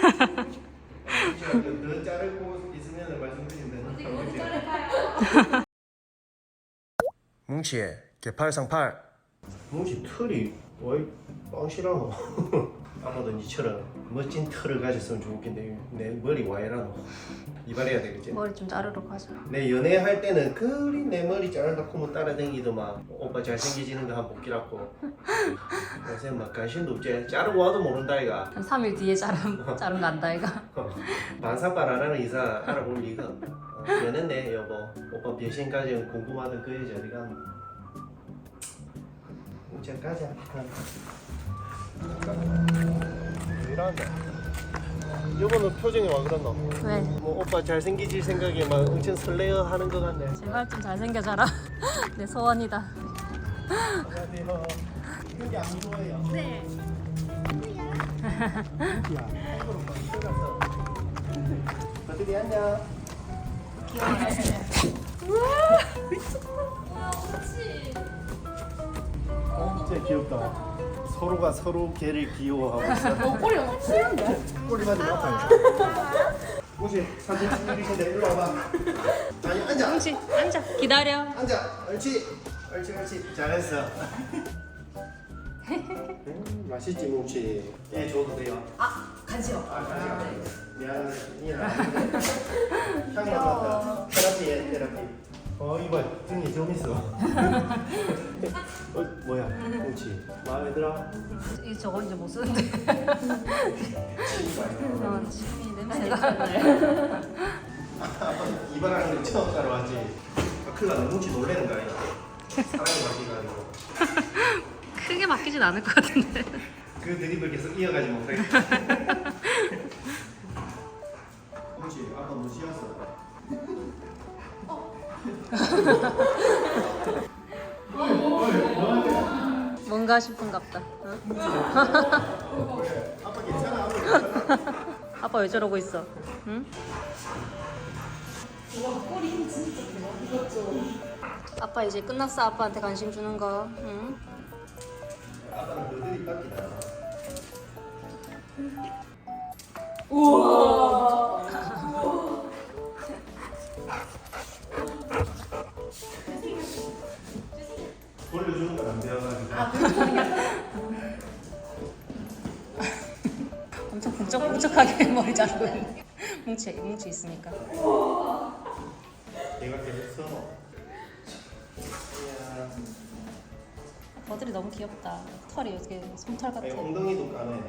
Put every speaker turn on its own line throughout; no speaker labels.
더 자르고 있으면 말씀드린다.
어디 자를까요?
뭉치 개팔상팔. 뭉치 털이 왜 뻥실하노? 아마도 니처럼 멋진 털을 가졌으면 좋겠는데 내 머리 와 이러노? 이발해야 되겠지?
머리 좀 자르러 가자.
내 연애할 때는 그리 내 머리 자르다고 뭐 따라다니더만 오빠 잘생겨지는 거 한번 보기라고. 요새 막 관심도 없지. 자르고 와도 모른다 이가.
한 3일 뒤에 자른 거 안다 이가.
반사발 안 하는 이상 알아볼 리가 없다. 연애네 여보. 오빠 변신까지 궁금하던 그 여자 어디 갔노? 이제 가자. 왜 이러는데? 여보는 표정이 와 그랬노?
왜?
뭐 오빠 잘생기질 생각에 막 엄청 설레어 하는 것 같네.
제발 좀 잘생겨져라. 내 소원이다.
안녕하세요. 여기 안 좋아해요?
네.
야, 한국으로 막 들어갔어. 어떻게 안녕? 진짜 귀엽다. 서로가 서로 개를 귀여워하고 있어.
꼬리 너무 치는데?
꼬리만 좀 아파요. 혹시 사진 찍으신데 일로 와봐. 아니 앉아.
뭉치 앉아. 기다려.
앉아. 옳지. 옳지 옳지. 잘했어. 맛있지 뭉치. 애 줘도 돼요.
아 간지러.
간식. 미안해. 향 맡았다. 테라피에 테라피. 이봐 등이 좀 있어. 뭐야 뭉치. 마음에 들어?
이 저거 이제 못 쓰는데. 침이 냄새가.
이발하는 거 처음 따라왔지. 큰일 나네. 뭉치 놀래는 거 아니야? 사랑이 바뀌가지고.
크게 맡기진 않을 것 같은데.
그 드립을 계속 이어가지 못하겠다. 뭉치 아까 뭐 쉬었어?
뭔가 싶은갑다.
아빠 괜찮아?
아빠 왜 저러고 있어? 응? 아빠 이제 끝났어. 아빠한테 관심 주는 거. 응?
아빠는 너들이 깎이다. 돌려주는 건 안 배워가지고.
엄청 북적북적하게 머리 자르고 있네. 뭉치 있으니까.
내가 계속 써.
머리들이 너무 귀엽다. 털이 이렇게 솜털 같아.
엉덩이도 까네.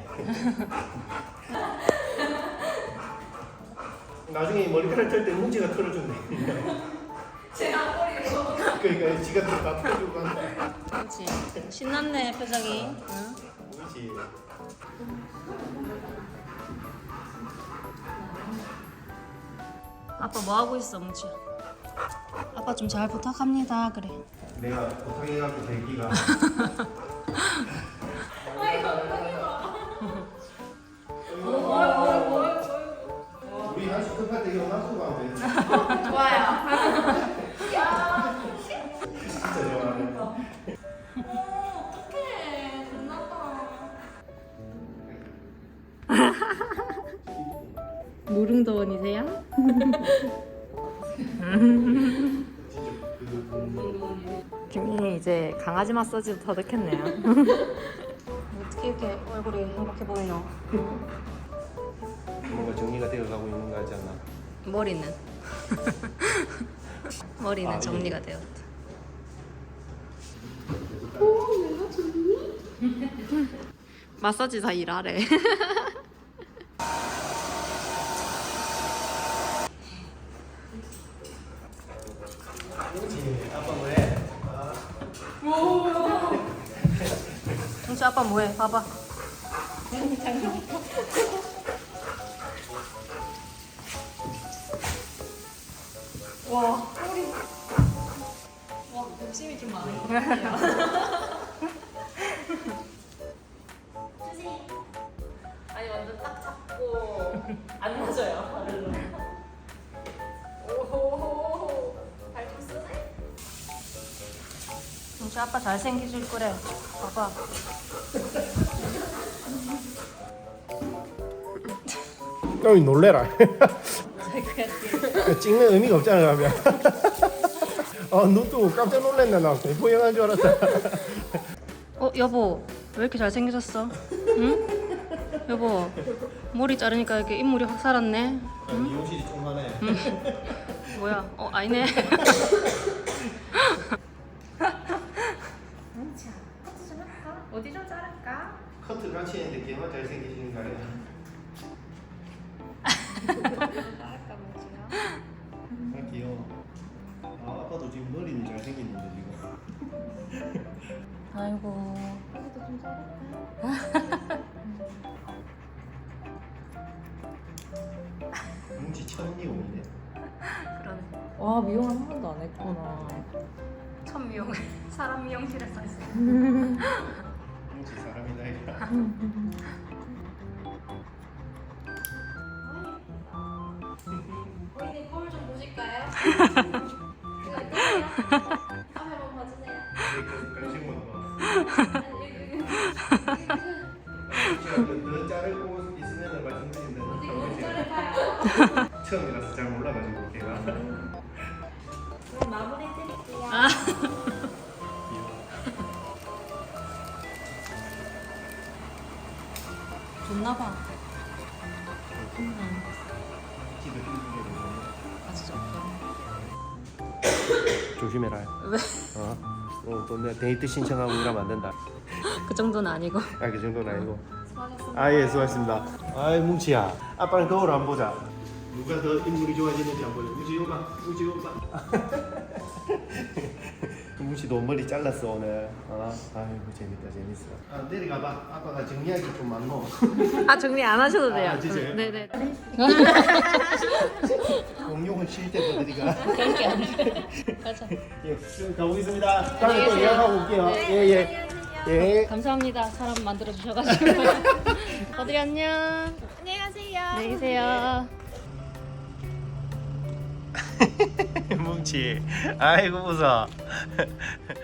나중에 머리카락 털 때 뭉치가 털어주네.
제가 머리로
그러니까 지가 다 털어주고 간다.
뭉치 신났네 표정이. 응?
뭉치.
아빠 뭐 하고 있어, 뭉치? 아빠 좀 잘 부탁합니다. 그래.
내가 부탁해갖고 대기가. 우리 한식 급할 때 이거 놔두고 가면 돼.
좋아요.
진짜 좋아하네.
어떡해. 끝났다.
무릉도원이세요? 김민이 이제 강아지 마사지도 터득했네요. 어떻게 이렇게 얼굴이 행복해 보이노?
뭔가 정리가 되어가고 있는 거 같지 않나?
머리는 머리는
아,
정리가 되었다. 마사지사 일하래.
뭉치 아빠 뭐해?
뭉치 아빠 뭐해? 봐봐.
와, 꼬리. 와, 욕심이 좀 많은 것 같아요. 아니, 완전 딱 잡고 안 맞아요, 발로. 오호호호. 발좀 쓰네?
뭉치 아빠 잘생겨질 거래. 봐봐.
좀 놀래라.
자기가
찍는 의미가 없잖아 그러면. 눈 뜨고 깜짝 놀랐네. 나 공포 영화인 줄 알았다.
여보 왜 이렇게 잘생겨졌어? 응? 여보 머리 자르니까 이렇게 인물이 확 살았네.
미용실이 조그마네.
뭐야? 아니네.
뭉치야, 커트 좀 할까? 어디 좀 자를까?
커트 같이 했는데 걔만 잘생기시는 거 아니야?
자를까 뭉치야?
아 귀여워. 아빠도 지금 머리는 잘생겼는데 지금.
아이고.
여기도 좀 자를까?
뭉치 첫 미용이네.
그러네.
와 미용 한 번도 안 했구나.
첫 미용 사람 미용실에서 했어.
뭉치 사람이다 이거.
고객님 거울 좀 보실까요? 이거 카메라 한번 봐주세요.
관심만 봐. 너 자르고 있으면 말씀드린다.
어디 자를까요?
처음이라서 잘 몰라가지고 걔가.
그럼 마무리 드릴게요.
좋나봐.
지도 힘들게
아 진짜 없다.
조심해라.
왜?
또 내가 데이트 신청하고 이러면 안 된다.
그 정도는 아니고.
그 정도는 아니고.
수고하셨습니다.
아 예 수고하셨습니다. 아이 뭉치야, 아빠는 거울 안 보자. 누가 더 인물이 좋아지는지 안 보자. 뭉치 오빠, 뭉치 오빠. 뭉치도 머리 잘랐어 오늘. 아이고 재밌다 재밌어. 내려가봐. 아빠가 정리하기 좀 많노.
아 정리 안 하셔도 돼요.
아, 진짜요?
네네.
공룡은 쉴 때 보드리가.
그런 게 아니에요. 가자.
예, 그럼 가보겠습니다. 다음에 또 예약하고 올게요. 예예. 예.
감사합니다. 사람 만들어 주셔가지고. 어들이 안녕.
안녕히 가세요.
안녕히 계세요.
뭉치, 아이고 웃어.